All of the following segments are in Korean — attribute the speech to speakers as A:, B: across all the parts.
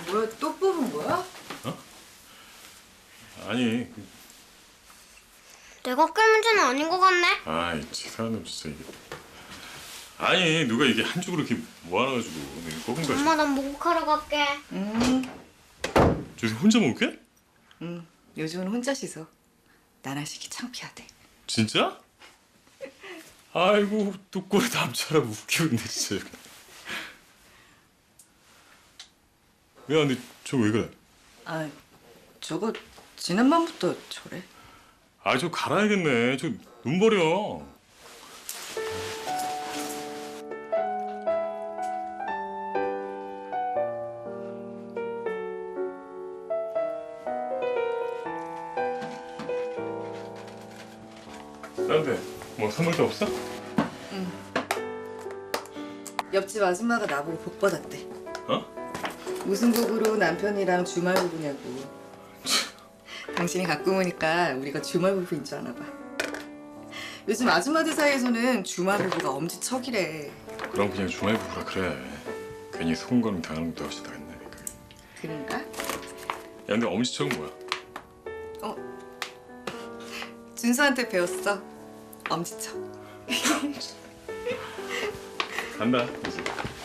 A: 뭐야, 또 뽑은 거야?
B: 어? 아니,
C: 내가 깰 문제는 아닌 것 같네.
B: 아이 치사한 놈 진짜 이게. 아니 누가 이게 한 쪽으로 이렇게 모아놔가지고 내가 꺾은 거지.
C: 엄마, 난 목욕하러 갈게.
B: 저새 혼자 먹을게?
A: 요즘은 혼자 씻어. 나랑 씻기 창피하대.
B: 진짜? 아이고 또 꼴에 남자라고 웃기고 있네 진짜. 야 근데 저 왜 그래?
A: 아, 저거 지난밤부터 저래.
B: 아 저 갈아야겠네. 저 눈 버려. 나한테 뭐 선물 도 없어?
A: 옆집 아줌마가 나보고 복 받았대.
B: 어?
A: 무슨 복으로 남편이랑 주말 부부냐고. 당신이 갖고 오니까 우리가 주말 부부인 줄 아나 봐. 요즘 아줌마들 사이에서는 주말 부부가 엄지척이래.
B: 그럼 그냥 주말 부부라 그래. 괜히 소금거림 당하는 것도 없이 당했네.
A: 그런가?
B: 야 근데 엄지척은 뭐야?
A: 준수한테 배웠어. 엄지척.
B: 간다 이제.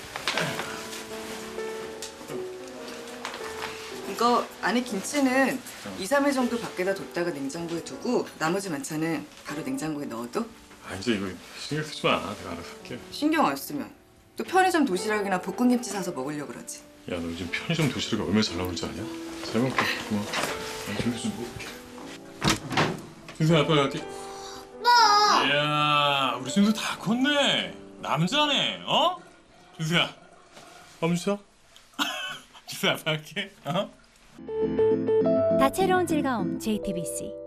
A: 이거 안에 김치는 2, 3일 정도 밖에다 뒀다가 냉장고에 두고 나머지 반찬은 바로 냉장고에 넣어도
B: 아 이제 이거 신경 쓰지 마. 내가 알아서 할게.
A: 신경 안 쓰면 또 편의점 도시락이나 볶음김치 사서 먹으려고 그러지.
B: 야 너 요즘 편의점 도시락이 얼마나 잘 나오는지 아냐? 잘 먹게. 고마워. 나 저기 좀 먹을게. 준수야 아빠 갈게.
C: 아빠!
B: 이야 우리 준수 다 컸네. 남자네. 어? 준수야. 엄지척? 준수야 아빠 갈게. 어?
D: 다채로운 즐거움 JTBC